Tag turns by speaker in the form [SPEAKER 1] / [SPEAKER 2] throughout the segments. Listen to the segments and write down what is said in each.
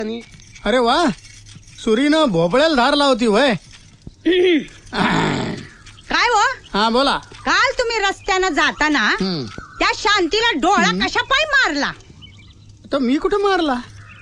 [SPEAKER 1] अरे वा, सुरीनं भोपळ्याला धार लावती वय.
[SPEAKER 2] काय हो?
[SPEAKER 1] हा बोला.
[SPEAKER 2] काल तुम्ही रस्त्यानं जाताना त्या शांतीला डोळा कशा पाय मारला?
[SPEAKER 1] तर मी कुठे मारला?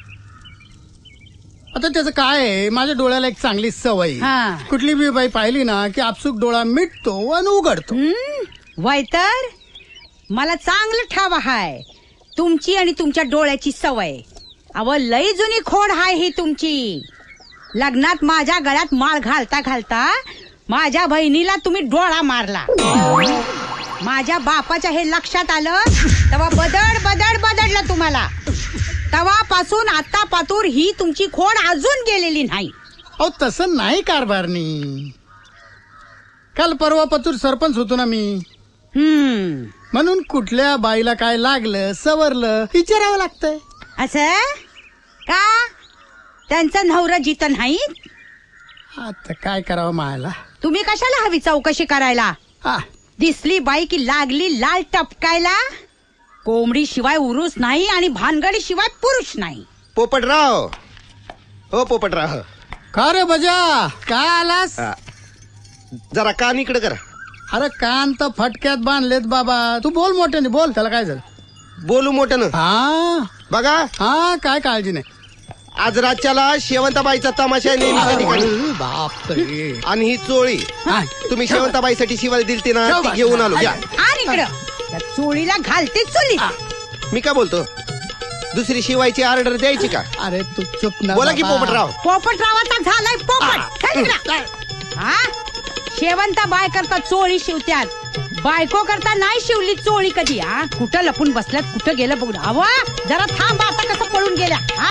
[SPEAKER 1] आता त्याचं काय आहे, माझ्या डोळ्याला एक चांगली सवय.
[SPEAKER 2] हा.
[SPEAKER 1] कुठली बी बाई पाहिली ना की आपसूक डोळा मिटतो आणि उघडतो.
[SPEAKER 2] वय तर मला चांगलं ठाव हाय तुमची आणि तुमच्या डोळ्याची सवय. अव लई जुनी खोड हाय ही तुमची. लग्नात माझ्या गळ्यात माळ घालता घालता माझ्या बहिणीला तुम्ही डोळा मारला. माझ्या बापाच्या हे लक्षात आलं तेव्हा बदडलं तुम्हाला. तेव्हापासून आता पातूर ही तुमची खोड अजून गेलेली नाही.
[SPEAKER 1] अहो तसं नाही कारभारनी. काल परवा पतूर सरपंच होतो ना मी, म्हणून कुठल्या बाईला काय लागलं सवरलं विचारावं लागतंय.
[SPEAKER 2] असं का? त्यांचं नवरा जित नाही.
[SPEAKER 1] आता काय करावं मायला.
[SPEAKER 2] तुम्ही कशाला हवी चौकशी करायला?
[SPEAKER 1] हा,
[SPEAKER 2] दिसली बाई की लागली लाल टपकायला. कोंबडी शिवाय उरूस नाही आणि भानगडी शिवाय पुरुष नाही.
[SPEAKER 3] पोपटराव, हो पोपटराव,
[SPEAKER 1] का रे बजा, काय आलास?
[SPEAKER 3] जरा कान इकडे करा.
[SPEAKER 1] अरे कान तर फटक्यात बांधलेत बाबा. तू बोल मोठ्याने बोल. त्याला काय झालं?
[SPEAKER 3] बोलू मोठ्यानं.
[SPEAKER 1] हा
[SPEAKER 3] बघा,
[SPEAKER 1] हा काय काळजी नाही.
[SPEAKER 3] आज रातच्याला शेवंताबाईचा तमाशा आहे नेहमीच्या ठिकाणी.
[SPEAKER 1] बापरे.
[SPEAKER 3] आणि ही चोळी
[SPEAKER 1] हा.
[SPEAKER 3] तुम्ही शेवंताबाईसाठी शिवाय दिलती ना, ती घेऊन आलो. या.
[SPEAKER 2] आणि इकडं त्या चोळीला घालते चुली.
[SPEAKER 3] मी काय बोलतो, दुसरी शिवायची ऑर्डर द्यायची का?
[SPEAKER 1] अरे तू चुप ना
[SPEAKER 3] बोला की
[SPEAKER 1] बाबा.
[SPEAKER 3] पोपटराव.
[SPEAKER 2] पोपटरावाचा झालाय पोपट. चल इकडं. हा, शेवंता बाय करता चोळी शिवत्यात, बायको करता नाही शिवली चोळी कधी. हा, कुठं लपून बसल्यात, कुठं गेलं बघू. अवा जरा थांब, आता कसं पळून गेल्या.